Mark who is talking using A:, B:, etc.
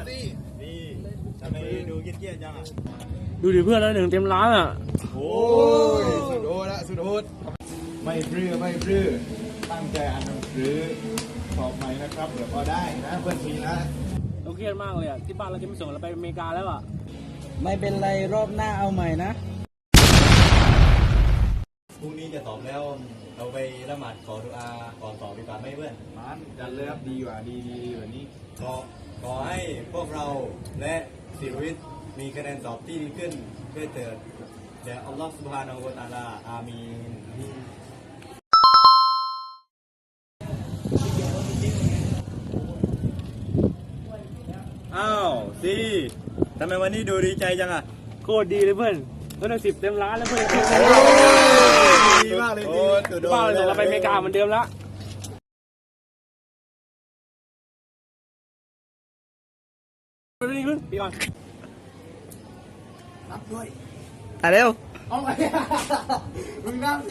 A: สินี่ทำไมดูเกี้ยๆจังอ่ะ
B: ดูดิเพื่อนแล้ว1 เต็มล้านอ่ะ
A: โอ้ยสุดโหดละสุดโหดไม่ปลื้อตั้งใจอ่านหนังสือสอบใหม่นะครับเดี๋ยวพอได้นะเพื่อนทีนะ
B: เราเครียดมากเลยอ่ะที่บ้านเราจะไม่ส่งเราไปอเมริกาแล้วอ่ะ
C: ไม่เป็นไรรอบหน้าเอาใหม่นะ
A: พรุ่งนี้จะสอบแล้วเราไปละหมาดขอดุอาก่อนสอบดีกว่าไหมเพื่อนมันจัดเลยครับดีกว่าดีแบบนี้ขอให้พวกเราและศิริวิทย์มีคะแนนสอบที่ดีขึ้นเพื่อเถิดเดี๋ยวอัลลอฮฺซุบฮานะฮูวะตะอาลาอามีนอ้าวสิทำไมวันนี้ดูดีใจจังอ่ะ
B: โคตรดีเลยเพื่อนแล้วได้10 เต็มล้านแล้วเพื่อน
A: ดีมากเลย
B: บ้านเราส่งเราไปอเมริกาเหมือนเดิมแล้วนี่ขึ้นปีก่อน
C: ถ่ายเร็ว
A: เอาไงมึงนั่ง